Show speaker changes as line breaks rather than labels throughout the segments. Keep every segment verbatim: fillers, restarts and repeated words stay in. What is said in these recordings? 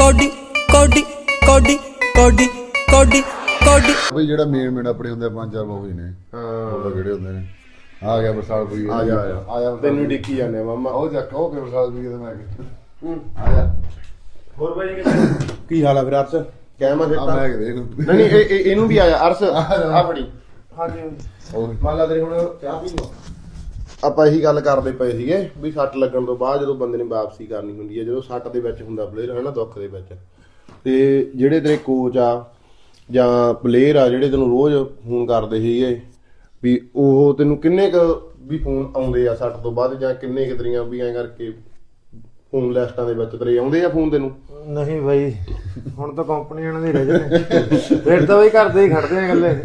Cody ਕੋਡੀ ਕੋਡੀ ਕੋਡੀ ਕੋਡੀ ਕੋਡੀ
ਬਈ ਜਿਹੜਾ ਮੇਨ ਮੇਨ ਆਪਣੇ ਹੁੰਦੇ ਪੰਜ ਚਾਰ ਮੂਵੀ ਨੇ ਹਾਂ ਉਹ ਕਿਹੜੇ ਹੁੰਦੇ ਨੇ ਆ ਗਿਆ ਬਰਸਾਲ ਕੋਈ
ਆ ਜਾ
ਆ ਜਾ
ਤੈਨੂੰ ਡਿੱਕੀ ਜਾਂਦੇ ਮਾਮਾ
ਉਹ ਚੱਕ ਉਹ ਕਿ ਬਰਸਾਲ ਵੀ ਤੇ ਮੈਂ ਹੂੰ ਆ ਜਾ
ਹੋਰ ਬਾਈ ਕੀ ਹਾਲ ਆ ਫਿਰ ਅਰਸ ਕਹਿਮਾ
ਆ
ਸਿੱਟਾ
ਮੈਂ ਕਿਹਾ ਇਹਨੂੰ
ਨਹੀਂ ਨਹੀਂ ਇਹ ਇਹ- ਇਹਨੂੰ ਵੀ ਆਇਆ ਅਰਸ ਆ ਫੜੀ ਹਾਂਜੀ
ਉਹ
ਮੰਨ ਲਾ ਤੇਰੇ ਹੁਣ ਚਾਹ ਪੀ ਲਓ ਆਪਾਂ ਇਹੀ ਗੱਲ ਕਰਦੇ ਪਏ ਸੀਗੇ ਵੀ ਸੱਟ ਲੱਗਣ ਤੋਂ ਬਾਅਦ ਜਦੋਂ ਬੰਦੇ ਨੇ ਵਾਪਸੀ ਕਰਨੀ ਹੁੰਦੀ ਹੈ ਜਦੋਂ ਸੱਟ ਦੇ ਵਿੱਚ ਹੁੰਦਾ ਪਲੇਅਰ ਹੈ ਨਾ ਦੁੱਖ ਦੇ ਵਿੱਚ ਤੇ ਜਿਹੜੇ ਤੇਰੇ ਕੋਚ ਆ ਜਾਂ ਪਲੇਅਰ ਆ ਜਿਹੜੇ ਤੈਨੂੰ ਰੋਜ਼ ਫੋਨ ਕਰਦੇ ਸੀਗੇ ਵੀ ਉਹ ਤੈਨੂੰ ਕਿੰਨੇ ਕ ਵੀ ਫੋਨ ਆਉਂਦੇ ਆ ਸੱਟ ਤੋਂ ਬਾਅਦ ਜਾਂ ਕਿੰਨੇ ਕ ਤੇਰੀਆਂ ਵੀ ਐਂ ਕਰਕੇ ਫੋਨ ਲਿਸਟਾਂ ਦੇ ਵਿੱਚ ਤੇਰੇ ਆਉਂਦੇ ਆ ਫੋਨ ਤੈਨੂੰ
ਨਹੀਂ ਬਾਈ ਹੁਣ ਤਾਂ ਕੰਪਨੀ ਵਾਲਿਆਂ ਦੇ ਰਹਿ ਜਨੇ ਫਿਰ ਤਾਂ ਬਈ ਘਰ ਦੇ ਹੀ ਖੜਦੇ ਆ ਗੱਲੇ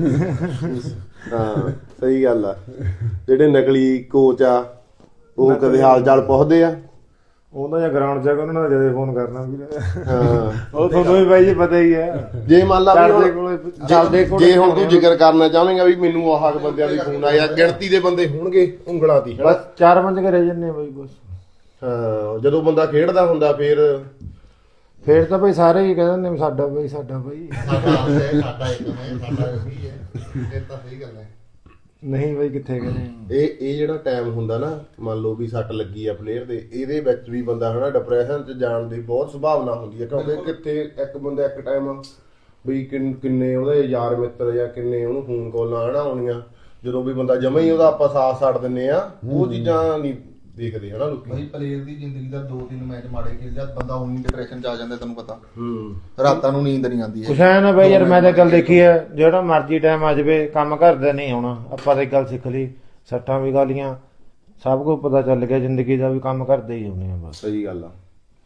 ਹਾਂ ਸਹੀ ਗੱਲ ਆ ਜਿਹੜੇ ਨਕਲੀ ਕੋਚ ਆ ਉਹ ਕਦੇ ਹਾਲ ਚਾਲ ਪੁੱਛਦੇ ਆ
ਉਹਦਾ ਜਾਂ ਗਰਾਊਂਡ 'ਚ ਉਹਨਾਂ ਨਾਲ ਜਦੇ ਫੋਨ ਕਰਨਾ ਵੀਰੇ
ਹਾਂ
ਉਹ ਤੁਹਾਨੂੰ ਵੀ ਬਾਈ ਜੀ ਪਤਾ ਹੀ ਹੈ
ਜੇ ਮੰਨ ਲਾ ਵੀ
ਚੱਲਦੇ
ਹੁਣ-
ਕੋਲੇ ਚੱਲਦੇ ਕੋਲੇ
ਜੇ ਹੁਣ ਤੂੰ ਜ਼ਿਕਰ ਕਰਨਾ ਚਾਹਵੇਂਗਾ ਵੀ ਮੈਨੂੰ ਆਹ ਬੰਦਿਆਂ ਦੇ ਫੋਨ ਆਇਆ ਗਿਣਤੀ ਦੇ ਬੰਦੇ ਹੋਣਗੇ ਉਂਗਲਾਂ ਦੀ
ਬਸ ਚਾਰ ਪੰਜ ਕੇ ਰਹਿ ਜੰਨੇ ਆ ਬਾਈ ਬਸ
ਹਾਂ ਜਦੋਂ ਬੰਦਾ ਖੇਡਦਾ ਹੁੰਦਾ ਫਿਰ
ਫੇਰ ਤਾਂ ਬਈ ਸਾਰੇ ਹੀ ਕਹਿੰਦੇ ਨੇ ਸਾਡਾ ਬਈ ਸਾਡਾ ਬਈ
ਸਾਡਾ ਇੱਕ ਮੈਂ ਸਾਡਾ ਵੀ ਹੈ ਇਹ ਤਾਂ ਸਹੀ ਗੱਲ ਹੈ
ਨਹੀਂ ਬਈ ਕਿੱਥੇ ਕਹਿੰਦੇ
ਇਹ ਇਹ ਜਿਹੜਾ ਟਾਈਮ ਹੁੰਦਾ ਨਾ ਮੰਨ ਲਓ ਵੀ ਸੱਟ ਲੱਗੀ ਆ ਪਲੇਅਰ ਦੇ ਇਹਦੇ ਵਿੱਚ ਵੀ ਬੰਦਾ ਹਨਾ ਡਿਪਰੈਸ਼ਨ 'ਚ ਜਾਣ ਦੀ ਬਹੁਤ ਸੰਭਾਵਨਾ ਹੁੰਦੀ ਹੈ ਕਿਉਂਕਿ ਕਿੱਥੇ ਇੱਕ ਬੰਦਾ ਇੱਕ ਟਾਈਮ ਵੀ ਕਿੰਨ- ਕਿੰਨੇ ਉਹਦੇ ਯਾਰ ਮਿੱਤਰ ਜਾਂ ਕਿੰਨੇ ਉਹਨੂੰ ਫੋਨ ਕਾਲਾਂ ਹਨਾ ਆਉਣੀਆਂ ਜਦੋਂ ਵੀ ਬੰਦਾ ਜਮਾ ਹੀ ਉਹਦਾ ਆਪਾਂ ਸਾਥ ਛੱਡ ਦਿੰਨੇ ਆ ਉਹ ਚੀਜ਼ਾਂ ਨਹੀਂ ਦੇਖਦੇ ਹਨਾ ਲੋਕੀ
ਬਈ ਪਲੇਅਰ ਦੀ ਜ਼ਿੰਦਗੀ ਦਾ ਦੋ ਤਿੰਨ ਮੈਚ ਮਾੜੇ ਖੇਲ ਜਾ ਬੰਦਾ ਉਨੀ ਡਿਪਰੈਸ਼ਨ ਚ ਆ ਜਾਂਦਾ ਤੈਨੂੰ ਪਤਾ
ਹੂੰ
ਰਾਤਾਂ ਨੂੰ ਨੀਂਦ ਨਹੀਂ ਆਉਂਦੀ
ਕੁਛ ਐ ਨਾ ਬਈ ਯਾਰ ਮੈਂ ਤਾਂ ਗੱਲ ਦੇਖੀ ਹੈ ਜਿਹੜਾ ਮਰਜ਼ੀ ਟਾਈਮ ਆ ਜਾਵੇ ਕੰਮ ਕਰਦਾ ਨਹੀਂ ਆਉਣਾ ਆਪਾਂ ਤਾਂ ਇੱਕ ਗੱਲ ਸਿੱਖ ਲਈ ਸੱਟਾਂ ਵੀ ਗਾਲੀਆਂ ਸਭ ਕੁਝ ਪਤਾ ਚੱਲ ਗਿਆ ਜ਼ਿੰਦਗੀ ਦਾ ਵੀ ਕੰਮ ਕਰਦੇ ਹੀ ਆਉਣੇ ਆ ਬਸ
ਸਹੀ ਗੱਲ ਆ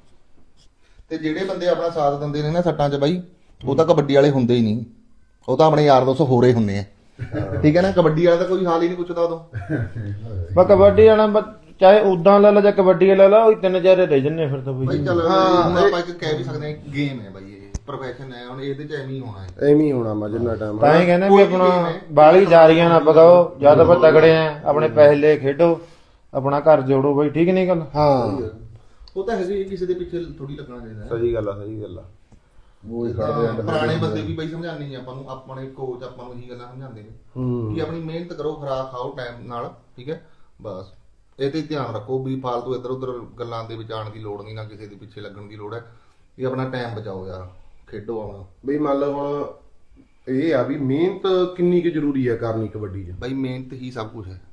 ਤੇ ਜਿਹੜੇ ਬੰਦੇ ਆਪਣਾ ਸਾਥ ਦਿੰਦੇ ਨੇ ਨਾ ਸੱਟਾਂ 'ਚ ਬਾਈ ਉਹ ਤਾਂ ਕਬੱਡੀ ਵਾਲੇ ਹੁੰਦੇ ਹੀ ਨਹੀਂ ਉਹ ਤਾਂ ਆਪਣੇ ਯਾਰ ਦੋਸਤ ਹੋਰੇ ਹੁੰਦੇ ਆ ਠੀਕ ਹੈ ਨਾ ਕਬੱਡੀ ਵਾਲਾ ਤਾਂ ਕੋਈ ਹਾਲ ਹੀ ਨਹੀਂ ਪੁੱਛਦਾ ਉਦੋਂ
ਬਸ ਕਬੱਡੀ ਵਾਲਾ ਬ- ਚਾਹੇ ਉਦਾਂ ਲੈ ਲਾ ਜਾਂ ਕਬੱਡੀ ਲੈ ਲਾ ਉਹ ਤਿੰਨ ਚਾਰੇ ਰਹਿ ਜੰਨੇ ਫਿਰ ਤਾਂ
ਬਾਈ
ਬਈ
ਚੱਲ
ਹਾਂ,
ਹੁਣ ਆਪਾਂ ਇੱਕ ਕਹਿ ਵੀ ਸਕਦੇ ਹਾਂ ਗੇਮ ਹੈ ਬਾਈ ਇਹ ਪ੍ਰੋਫੈਸ਼ਨ ਹੈ ਹੁਣ ਇਹਦੇ 'ਚ ਐਵੇਂ ਹੀ ਹੋਣਾ ਹੈ
ਐਵੇਂ ਹੀ ਹੋਣਾ ਮਾ ਜਿੰਨਾ ਟਾਈਮ
ਤਾਂ ਹੀ ਕਹਿੰਦੇ ਵੀ ਆਪਣਾ ਬਾਲੀ ਜਾਰੀਆਂ ਨਾ ਪਕਾਓ ਜਦ ਆਪਾਂ ਤਗੜੇ ਆ ਆਪਣੇ ਪੈਸੇ ਲੈ ਖੇਡੋ ਆਪਣਾ ਘਰ ਜੋੜੋ ਬਈ ਠੀਕ ਨਹੀਂ ਗੱਲ
ਹਾਂ
ਉਹ ਤਾਂ ਹੈਗੀ ਕਿਸੇ ਦੇ ਪਿੱਛੇ ਥੋੜੀ ਲੱਗਣਾ ਚਾਹੀਦਾ
ਸਹੀ ਗੱਲ ਆ ਸਹੀ ਗੱਲ ਆ
ਉਹ ਹੀ ਕਰਦੇ ਆ ਪੁਰਾਣੇ ਬੰਦੇ ਵੀ ਬਾਈ ਸਮਝਾਉਂਦੇ ਨੇ ਆਪਾਂ ਨੂੰ ਆਪਣੇ ਕੋਚ ਆਪਾਂ ਨੂੰ ਇਹੀ ਗੱਲਾਂ ਸਮਝਾਉਂਦੇ ਨੇ
ਹੂੰ
ਕਿ ਆਪਣੀ ਮਿਹਨਤ ਕਰੋ ਖੁਰਾਕ ਖਾਓ ਟਾਈਮ ਨਾਲ ਠੀਕ ਹੈ ਬਸ ਇਹ ਤੇ ਧਿਆਨ ਰੱਖੋ ਵੀ ਫਾਲਤੂ ਇੱਧਰ ਉੱਧਰ ਗੱਲਾਂ ਦੇ ਵਿੱਚ ਆਉਣ ਦੀ ਲੋੜ ਨਹੀਂ ਨਾ ਕਿਸੇ ਦੇ ਪਿੱਛੇ ਲੱਗਣ ਦੀ ਲੋੜ ਹੈ ਵੀ ਆਪਣਾ ਟਾਈਮ ਬਚਾਓ ਯਾਰ ਖੇਡੋ ਆਪਣਾ
ਬਈ ਮੰਨ ਲਓ ਹੁਣ ਇਹ ਆ ਵੀ ਮਿਹਨਤ ਕਿੰਨੀ ਕੁ ਜ਼ਰੂਰੀ ਹੈ ਕਰਨੀ ਕਬੱਡੀ 'ਚ
ਬਾਈ ਮਿਹਨਤ ਹੀ ਸਭ ਕੁਝ ਹੈ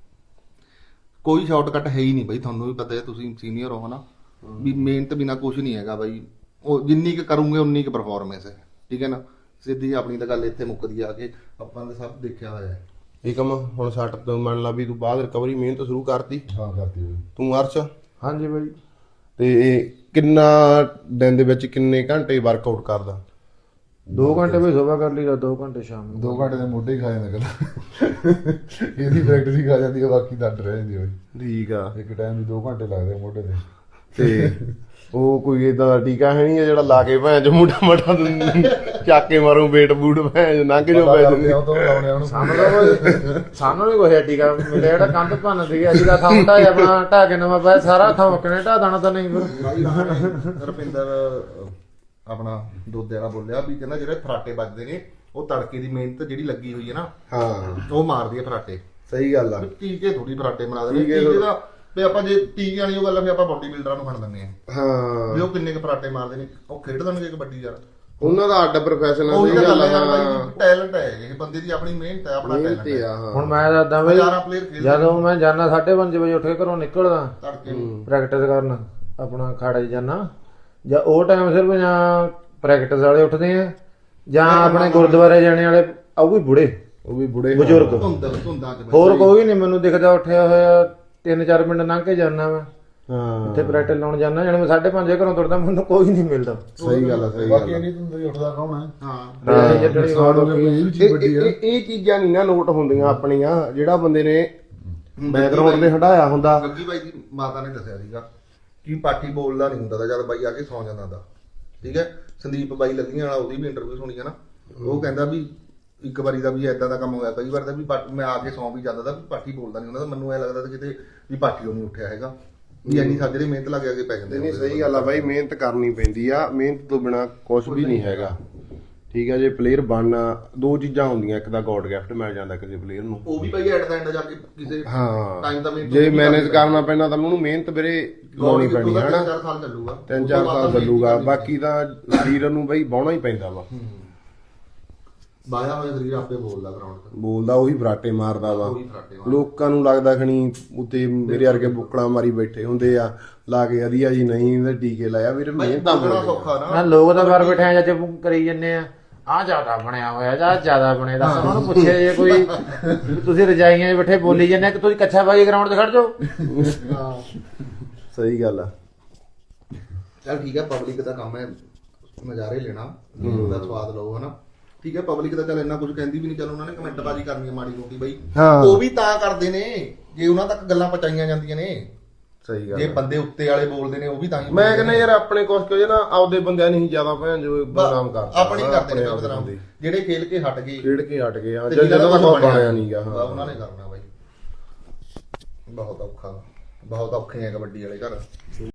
ਕੋਈ ਸ਼ਾਰਟਕਟ ਹੈ ਹੀ ਨਹੀਂ ਬਾਈ ਤੁਹਾਨੂੰ ਵੀ ਪਤਾ ਹੈ ਤੁਸੀਂ ਸੀਨੀਅਰ ਹੋ ਹਨਾ ਵੀ ਮਿਹਨਤ ਬਿਨਾ ਕੁਝ ਨਹੀਂ ਹੈਗਾ ਬਾਈ ਉਹ ਜਿੰਨੀ ਕੁ ਕਰੋਗੇ ਉਨੀ ਕੁ ਪਰਫਾਰਮੈਂਸ ਹੈ ਠੀਕ ਹੈ ਨਾ ਸਿੱਧੀ ਆਪਣੀ ਤਾਂ ਗੱਲ ਇੱਥੇ ਮੁੱਕਦੀ ਆ ਕੇ ਆਪਾਂ ਤਾਂ ਸਭ ਦੇਖਿਆ ਹੋਇਆ ਹੈ
ਇਹ ਕੰਮ ਹੁਣ ਸੱਟ ਤੋਂ ਮੰਨ ਲਾ ਵੀ ਤੂੰ ਬਾਅਦ ਰਿਕਵਰੀ ਮਿਹਨਤ ਸ਼ੁਰੂ ਕਰਤੀ
ਹਾਂ ਕਰਤੀ
ਤੂੰ ਅਰਸ਼
ਹਾਂਜੀ ਬਈ
ਤੇ ਕਿੰਨਾ ਦਿਨ ਦੇ ਵਿੱਚ ਕਿੰਨੇ ਘੰਟੇ ਵਰਕਆਊਟ ਕਰਦਾ
ਦੋ ਘੰਟੇ ਵੀ ਸਵੇਰ ਕਰ ਲਈਦਾ ਦੋ ਘੰਟੇ ਸ਼ਾਮ ਨੂੰ
ਦੋ ਘੰਟੇ ਦੇ ਮੋਢੇ ਹੀ ਖਾ ਜਾਂਦਾ ਕਹਿੰਦਾ ਇਹਦੀ ਪ੍ਰੈਕਟਿਸ ਹੀ ਖਾ ਜਾਂਦੀ ਹੈ ਬਾਕੀ ਤਾਂ ਰਹਿ ਜਾਂਦੀ ਹੋਈ
ਠੀਕ ਆ
ਇੱਕ ਟਾਈਮ ਦੀ ਦੋ ਘੰਟੇ ਲੱਗਦੇ ਮੋਢੇ ਤੇ
ਤੇ ਉਹ ਕੋਈ ਏਦਾਂ ਦਾ ਟੀਕਾ ਹੈ ਨਹੀਂ ਜਿਹੜਾ ਲਾ ਕੇ ਭੈਣ ਚ ਮੁੰਡਾ ਮਟਾ ਚੱਕ ਕੇ ਮਾਰੂ ਵੇਟ ਬੂਟ ਭੈਣ ਲੰਘ ਜੋ ਪੈ ਜਾਂਦੇ
ਉਹ ਤੋਂ ਲਾਉਣੇ ਉਹਨੂੰ
ਸਾਨੂੰ ਤਾਂ ਕੋਈ- ਸਾਨੂੰ ਵੀ ਕੋਈ ਟੀਕਾ ਮਿਲਿਆ ਜਿਹੜਾ ਕੰਧ ਭੰਨ ਦੀ ਅਸੀਂ ਤਾਂ ਥਾਂ ਢਾਇਆ ਆਪਣਾ ਢਾ ਕੇ ਨਵਾਂ ਪਾਇਆ ਸਾਰਾ ਥਾਂ ਮੱਕਣੇ ਢਾ ਦੇਣਾ ਤਾਂ ਨਹੀਂ ਫਿਰ
ਰੁਪਿੰਦਰ ਆਪਣਾ ਦੋਦੇ ਵਾਲਾ ਬੋਲਿਆ ਵੀ ਕਹਿੰਦਾ ਜਿਹੜੇ ਫਰਾਟੇ ਵੱਜਦੇ ਨੇ ਉਹ ਤੜਕੇ ਦੀ ਮਿਹਨਤ ਜਿਹੜੀ ਲੱਗੀ ਹੋਈ ਹੈ ਨਾ
ਹਾਂ
ਉਹ ਮਾਰਦੀ ਹੈ ਫਰਾਟੇ
ਸਹੀ ਗੱਲ ਆ
ਟੀਕੇ ਥੋੜੀ ਫਰਾਟੇ ਬਣਾ ਦੇਣੇ
ਟੀਕੇ
ਟੀਕੇ ਦਾ ਵੀ ਆਪਾਂ ਜੇ ਟੀਕੇ ਵਾਲੀ ਉਹ ਗੱਲ ਆ ਵੀ ਆਪਾਂ ਬਾਡੀ ਬਿਲਡਰਾਂ ਨੂੰ ਫੜ ਦਿੰਦੇ ਆ
ਹਾਂ
ਵੀ ਉਹ ਕਿੰਨੇ ਕੁ ਫਰਾਟੇ ਮਾਰਦੇ ਨੇ ਉਹ ਖੇਡ ਦੇਣਗੇ ਕਬੱਡੀ ਯਾਰ
ਉਹਨਾਂ ਦਾ ਅੱਡ ਪ੍ਰੋਫੈਸ਼ਨ ਆ
ਉਹੀ
ਸਹੀ
ਤਾਂ
ਗੱਲ
ਗੱਲ ਹੈ
ਆ
ਯਾਰ
ਹਾਂ
ਬਾਈ ਟੈਲੈਂਟ ਹੈ ਇਹ ਬੰਦੇ ਦੀ ਆਪਣੀ ਮਿਹਨਤ ਹੈ ਆਪਣਾ
ਮਿਹਨਤ
ਟੈਲੈਂਟ
ਹੀ
ਹੈ
ਆ ਹਾਂ
ਹੁਣ ਮੈਂ ਦੱਸਦਾ ਬਈ
ਹਜ਼ਾਰਾਂ ਪਲੇਅਰ ਖੇਡਦੇ
ਜਦੋਂ ਮੈਂ ਜਾਣਾ ਸਾਢੇ ਪੰਜ ਵਜੇ ਉੱਠ ਕੇ ਘਰੋਂ ਨਿਕਲਦਾ
ਤੜਕੇ
ਪ੍ਰੈਕਟਿਸ ਕਰਨ ਆਪਣਾ ਖਾੜੇ ਜਾਣਾ ਜਾਂ ਉਹ ਟਾਈਮ ਸਿਰਫ ਜਾਂ ਪ੍ਰੈਕਟਿਸ ਵਾਲੇ ਉੱਠਦੇ ਆ ਜਾਂ ਆਪਣੇ ਗੁਰਦੁਆਰੇ ਜਾਣੇ ਵਾਲੇ ਉਹ ਵੀ ਬੁੜੇ
ਉਹ ਵੀ ਬੁੜੇ
ਬਜ਼ੁਰਗ
ਧੁੰਦ ਧੁੰਦਾਂ ਚ
ਹੋਰ ਕੋਈ ਨਹੀਂ ਮੈਨੂੰ ਦਿਖਦਾ ਉੱਠਿਆ ਹੋਇਆ ਤਿੰਨ ਚਾਰ ਮਿੰਟ ਲੰਘ ਕੇ ਜਾਣਾ ਮੈਂ
ਹਾਂ
ਉੱਥੇ ਪ੍ਰੈਕਟਿਸ ਲਾਉਣ ਜਾਣਾ ਜਦੋਂ ਮੈਂ ਸਾਢੇ ਪੰਜ ਵਜੇ ਘਰੋਂ ਤੁਰਦਾ ਮੈਨੂੰ ਕੋਈ ਨਹੀਂ ਮਿਲਦਾ
ਸਹੀ ਗੱਲ ਆ ਸਹੀ ਗੱਲ
ਬਾਕੀ
ਆ।
ਨਹੀਂ ਧੁੰਦ ਉੱਠਦਾ ਕੌਣ ਹੈ ਹਾਂ
ਹਾਂ ਜਿਹੜੀ ਵਾਰ ਹੋ ਗਈ
ਇਹ- ਇਹ ਇਹ- ਇਹ ਚੀਜ਼ਾਂ ਨਹੀਂ ਨਾ ਨੋਟ ਹੁੰਦੀਆਂ ਆਪਣੀਆਂ ਜਿਹੜਾ ਬੰਦੇ ਨੇ ਬੈਕਗ੍ਰਾਉਂਡ ਤੇ ਹਟਾਇਆ ਹੁੰਦਾ
ਗੱਗੀ ਬਾਈ ਦੀ ਮਾਤਾ ਨੇ ਦੱਸਿਆ ਸੀਗਾ ਕਿ ਪਾਠੀ ਬੋਲਦਾ ਨਹੀਂ ਹੁੰਦਾ ਤਾਂ ਜਦ ਬਾਈ ਆ ਕੇ ਸੌਂ ਜਾਂਦਾ ਦਾ ਠੀਕ ਹੈ ਸੰਦੀਪ ਬਾਈ ਲੱਗੀਆਂ ਵਾਲਾ ਉਹਦੀ ਵੀ ਇੰਟਰਵਿਊ ਸੁਣੀ ਹੈ ਨਾ ਉਹ ਕਹਿੰਦਾ ਵੀ ਇੱਕ ਵਾਰੀ ਦਾ ਵੀ ਏਦਾਂ ਦਾ ਕੰਮ ਹੋਇਆ ਕਈ ਵਾਰ ਦਾ ਵੀ ਪਾ- ਮੈਂ ਆ ਕੇ ਸੌਂ ਵੀ ਜਾਂਦਾ ਦਾ ਵੀ ਪਾਠੀ ਬੋਲਦਾ ਨਹੀਂ ਹੁੰਦਾ ਤਾਂ ਮੈਨੂੰ ਐ ਲੱਗਦਾ ਤਾਂ ਕਿਤੇ ਵੀ ਪਾਠੀ ਉਹ ਨਹੀਂ ਉੱਠਿਆ ਹੈਗਾ ਵੀ ਇੰਨੀ ਸਾਜਰੇ ਮਿਹਨਤ ਲੱਗ ਕੇ ਪੈ ਜਾਂਦੇ
ਨਹੀਂ ਸਹੀ ਗੱਲ ਆ ਬਾਈ, ਮਿਹਨਤ ਕਰਨੀ ਪੈਂਦੀ ਆ, ਮਿਹਨਤ ਤੋਂ ਬਿਨਾ ਕੁਝ ਵੀ ਨਹੀਂ ਹੈਗਾ। ਠੀਕ ਆ, ਜੇ ਪਲੇਅਰ ਬਣਨਾ ਦੋ ਚੀਜ਼ਾਂ ਹੁੰਦੀਆਂ, ਇੱਕ ਤਾਂ ਗੋਡ ਗਿਫਟ ਮਿਲ ਜਾਂਦਾ ਕਿਸੇ ਪਲੇਅਰ ਨੂੰ,
ਉਹ ਵੀ ਭਾਈ ਐਟ ਦਾ ਐਂਡ ਜਾ ਕੇ ਕਿਸੇ
ਹਾਂ
ਟਾਈਮ ਦਾ ਮਿਹਨਤ
ਜੇ ਮੈਨੇਜ ਕਰਨਾ ਪੈਣਾ ਤਾਂ ਉਹਨੂੰ ਮਿਹਨਤ ਵੀਰੇ ਲਾਉਣੀ ਪੈਣੀ ਹੈ ਹਨਾ।
ਚਾਰ ਸਾਲ ਚੱਲੂਗਾ,
ਤਿੰਨ ਚਾਰ ਸਾਲ ਚੱਲੂਗਾ, ਬਾਕੀ ਤਾਂ ਸਰੀਰ ਨੂੰ ਬਈ ਬਾਉਣਾ ਹੀ ਪੈਂਦਾ ਵਾ।
ਬਾਇਆ ਹੋਇਆ ਸਰੀਰ ਆਪੇ ਬੋਲਦਾ ਗਰਾਊਂਡ ਤੇ,
ਬੋਲਦਾ ਉਹੀ ਫਰਾਟੇ ਮਾਰਦਾ ਵਾ।
ਉਹੀ ਫਰਾਟੇ ਮਾਰਦਾ।
ਲੋਕਾਂ ਨੂੰ ਲੱਗਦਾ ਖਣੀ ਉੱਤੇ ਮੇਰੇ ਵਰਗੇ ਬੁੱਕਲਾਂ ਮਾਰੀ ਬੈਠੇ ਹੁੰਦੇ ਆ ਲਾ ਕੇ ਵਧੀਆ ਜੀ, ਨਹੀਂ ਇਹਦੇ ਟੀਕੇ ਲਾਇਆ ਵੀਰ, ਮਿਹਨਤ ਤਾਂ
ਬੜਾ
ਬੜੀ ਆ।
ਸੌਖਾ ਨਾ।
ਨਾ ਲੋਕ ਤਾਂ ਬਾਰ ਬੈਠੇ ਆ ਜੱਜ ਕਰੀ ਜੰਨੇ ਆ ਆ ਜ਼ਿਆਦਾ ਬਣਿਆ ਹੋਇਆ ਜਾਂ ਜ਼ਿਆਦਾ ਬਣੇ ਦਾ, ਉਹਨਾਂ ਨੂੰ ਪੁੱਛਿਆ ਜੇ ਕੋਈ ਵੀ ਤੁਸੀਂ ਰਜਾਈਆਂ 'ਚ ਬੈਠੇ ਬੋਲੀ ਜਾਂਦੇ ਕਿ ਤੁਸੀਂ ਕੱਛਾ ਬਾਜੀ ਗਰਾਊਂਡ ਤੇ ਖੜ ਜਾਓ।
ਹਾਂ
ਸਹੀ ਗੱਲ ਆ।
ਚਲ ਠੀਕ ਹੈ, ਪਬਲਿਕ ਦਾ ਕੰਮ ਹੈ ਨਜ਼ਾਰੇ ਲੈਣਾ, ਉਹਦਾ ਸਵਾਦ ਲਓ ਹਨਾ। ਠੀਕ ਹੈ, ਪਬਲਿਕ ਤਾਂ ਚੱਲ ਇੰਨਾ ਕੁਝ ਕਹਿੰਦੀ ਵੀ ਨਹੀਂ, ਚੱਲ ਉਹਨਾਂ ਨੇ ਕਮੈਂਟ ਬਾਜੀ ਕਰਨੀ ਹੈ ਮਾੜੀ ਮੋਟੀ ਬਈ,
ਹਾਂ।
ਉਹ ਵੀ ਤਾਂ ਕਰਦੇ ਨੇ ਜੇ ਉਹਨਾਂ ਤੱਕ ਗੱਲਾਂ ਪਹੁੰਚਾਈਆਂ ਜਾਂਦੀਆਂ ਨੇ।
ਸਹੀ ਗੱਲ
ਜੇ
ਆ।
ਬੰਦੇ ਉੱਤੇ ਵਾਲੇ ਬੋਲਦੇ ਨੇ ਉਹ ਵੀ ਤਾਂ ਹੀ
ਮੈਂ ਕਹਿੰਦਾ ਯਾਰ ਆਪਣੇ ਕੁਛ ਕੁ ਨਾ ਆਪਦੇ ਬੰਦਿਆਂ ਨਹੀਂ ਜ਼ਿਆਦਾ ਭੈਣ ਜੋ ਬਦਨਾਮ ਕਰਦਾ,
ਆਪਣੀ ਕਰਦੇ ਨੇ
ਆਪਣੇ
ਬਦਨਾਮ,
ਬੰਦੇ।
ਜਿਹੜੇ ਖੇਲ ਕੇ ਹਟ ਗਏ,
ਖੇਡ ਕੇ ਹਟ ਗਏ, ਹਾਂ
ਤੇ
ਜਦੋਂ
ਜਿਹਨਾਂ
ਦਾ
ਦਾ
ਬਣਿਆ ਨਹੀਂਗਾ, ਹਾਂ
ਉਹਨਾਂ ਨੇ ਕਰਨਾ ਬਾਈ। ਬਹੁਤ ਔਖਾ, ਬਹੁਤ ਔਖੇ ਆ ਕਬੱਡੀ ਵਾਲੇ ਘਰ।